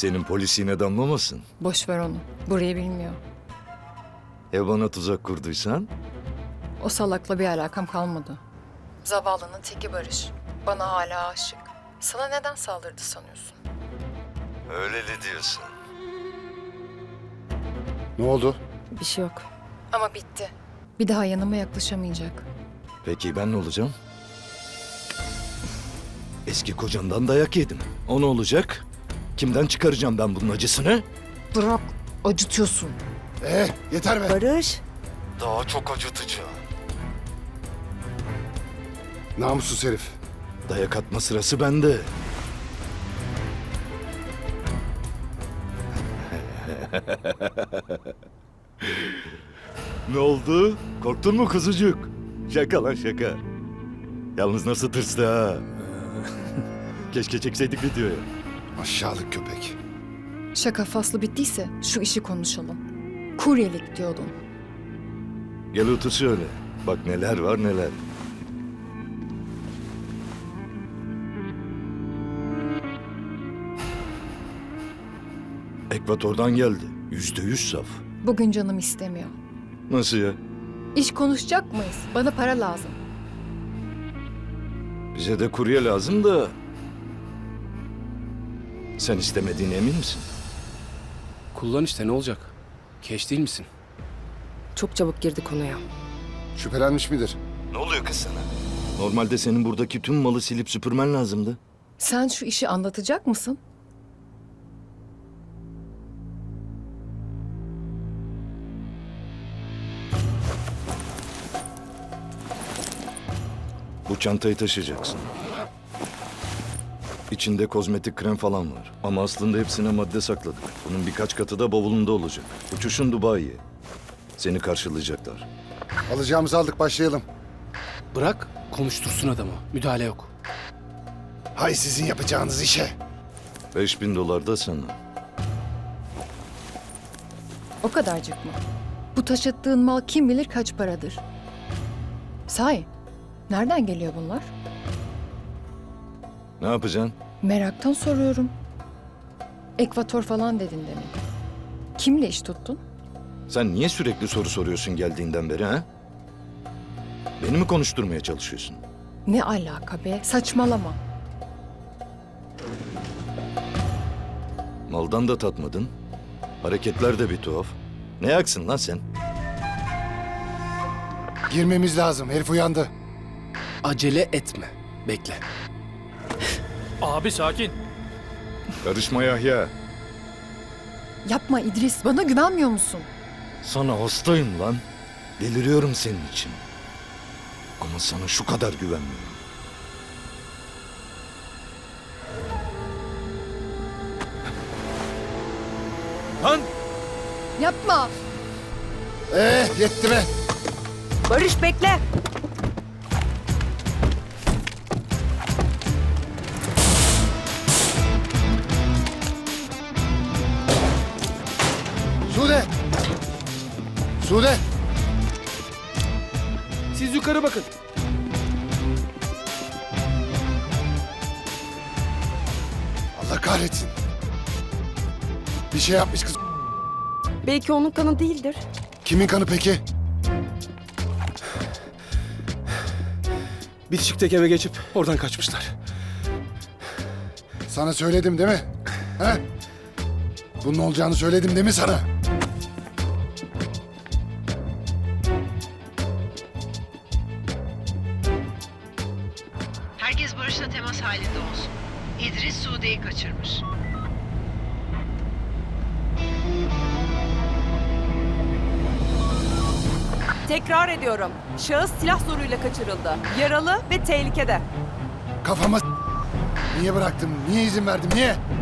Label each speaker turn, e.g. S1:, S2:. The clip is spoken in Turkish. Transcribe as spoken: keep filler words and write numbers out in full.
S1: Senin polis yine damlamasın.
S2: Boş ver onu. Burayı bilmiyor.
S1: Ya bana tuzak kurduysan?
S2: O salakla bir alakam kalmadı. Zavallının teki Barış. Bana hala aşık. Sana neden saldırdı sanıyorsun?
S1: Öyleli diyorsun.
S3: Ne oldu?
S2: Bir şey yok. Ama bitti. Bir daha yanıma yaklaşamayacak.
S1: Peki ben ne olacağım? Eski kocamdan dayak yedim. O ne olacak? Kimden çıkaracağım ben bunun acısını?
S2: Bırak. Acıtıyorsun.
S3: Ee, yeter be.
S4: Barış,
S1: Daha çok acıtıcı.
S3: Namussuz herif.
S1: Dayak atma sırası bende. Ne oldu? Korktun mu kuzucuk? Şaka lan şaka. Yalnız nasıl tırstı ha? Keşke çekseydik videoyu.
S3: Aşağılık köpek.
S2: Şaka faslı bittiyse şu işi konuşalım. Kuryelik diyordun.
S1: Gel otur şöyle. Bak neler var neler. Ekvator'dan geldi. Yüzde yüz saf.
S2: Bugün canım istemiyor.
S1: Nasıl ya?
S2: İş konuşacak mıyız? Bana para lazım.
S1: Bize de kurye lazım da... Sen istemediğine emin misin?
S5: Kullan işte, ne olacak? Keş değil misin?
S4: çok çabuk girdi konuya.
S3: Şüphelenmiş midir?
S1: Ne oluyor kız sana? Normalde senin buradaki tüm malı silip süpürmen lazımdı.
S2: Sen şu işi anlatacak mısın?
S1: Bu çantayı taşıyacaksın. İçinde kozmetik krem falan var. Ama aslında hepsine madde sakladık. Bunun birkaç katı da bavulunda olacak. Uçuşun Dubai'ye. Seni karşılayacaklar.
S3: Alacağımızı aldık, başlayalım.
S5: Bırak, konuştursun adamı. Müdahale yok.
S3: Hay sizin yapacağınız işe.
S1: Beş bin dolar da sana.
S2: O kadarcık mı? Bu taşıttığın mal kim bilir kaç paradır. Sahi, nereden geliyor bunlar?
S1: Ne yapacaksın?
S2: Meraktan soruyorum. Ekvator falan dedin demin. Kimle iş tuttun?
S1: Sen niye sürekli soru soruyorsun geldiğinden beri ha? Beni mi konuşturmaya çalışıyorsun?
S2: Ne alaka be? Saçmalama.
S1: Maldan da tatmadın. Hareketler de bir tuhaf. Ne yaksın lan sen?
S3: Girmemiz lazım, herif uyandı.
S5: Acele etme. Bekle.
S6: Abi sakin.
S1: Karışma Yahya.
S2: Yapma İdris, bana güvenmiyor musun?
S1: Sana hastayım lan. Deliriyorum senin için. Ama sana şu kadar güvenmiyorum. Lan!
S2: Yapma!
S3: Ee, yetti be.
S4: Barış bekle.
S3: Sude! Sude!
S5: Siz yukarı bakın.
S3: Allah kahretsin. Bir şey yapmış kız.
S4: Belki onun kanı değildir.
S3: Kimin kanı peki?
S5: Bitişikteki eve geçip oradan kaçmışlar.
S3: Sana söyledim değil mi? He? Bunun olacağını söyledim değil mi sana?
S7: Herkes Barış'la temas halinde olsun. İdris Sude'yi kaçırmış.
S8: Tekrar ediyorum. Şahıs silah zoruyla kaçırıldı. Yaralı ve tehlikede.
S3: Kafama s- Niye bıraktım? Niye izin verdim? Niye?